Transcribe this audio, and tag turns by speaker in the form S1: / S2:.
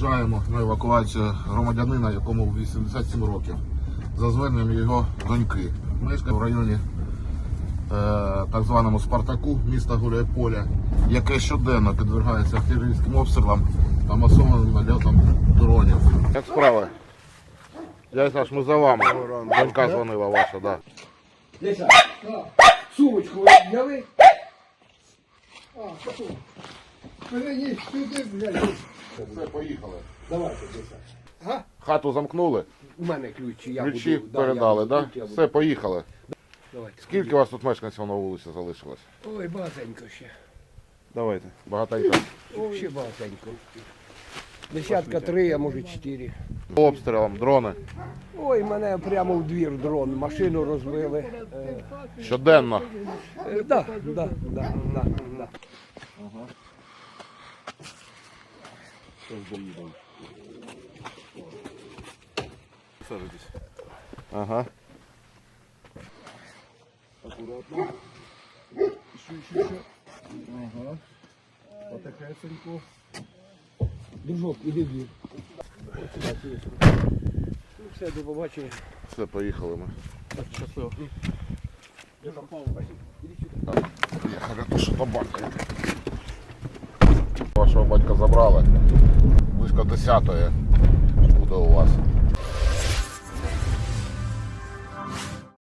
S1: виїжджаємо на евакуацію громадянина, якому 87 років, за зверненням його доньки. Мешкає в районі так званому Спартаку, міста Гуляйполя, яке щоденно підвергається артилерійським обстрілам та масованим нальотам дронів. Як справи? Дядя Саш, ми за вами. Донька дзвонила ваша, да.
S2: Леся, сумочку ви взяли? Переніс сюди, блядь.
S1: Все, поїхали.
S2: Давайте, Леся.
S1: Хату замкнули?
S2: У мене ключі, я
S1: Ключі
S2: буду.
S1: передали,
S2: да?
S1: так? Да? Все, поїхали.
S2: Давайте.
S1: Скільки у вас тут мешканців на вулиці залишилось?
S2: Ой, багатенько ще.
S1: Давайте. Багатенько.
S2: Ой, ще багатенько. Десятка 3, а може 4.
S1: Обстрілом, дрони.
S2: Ой, мене прямо в двір дрон, машину розбили.
S1: Щоденно.
S2: Да.
S1: Сажитесь. Ага.
S3: Аккуратно. Еще. Ага. Потихесеньку.
S2: Дружок, іди в двір. Ну все, до побачення.
S1: Все, поїхали ми.
S2: Так, щасливо.
S1: Поїхали, то що побачите. Вашого батька забрали. Близько 10-ї буде у вас.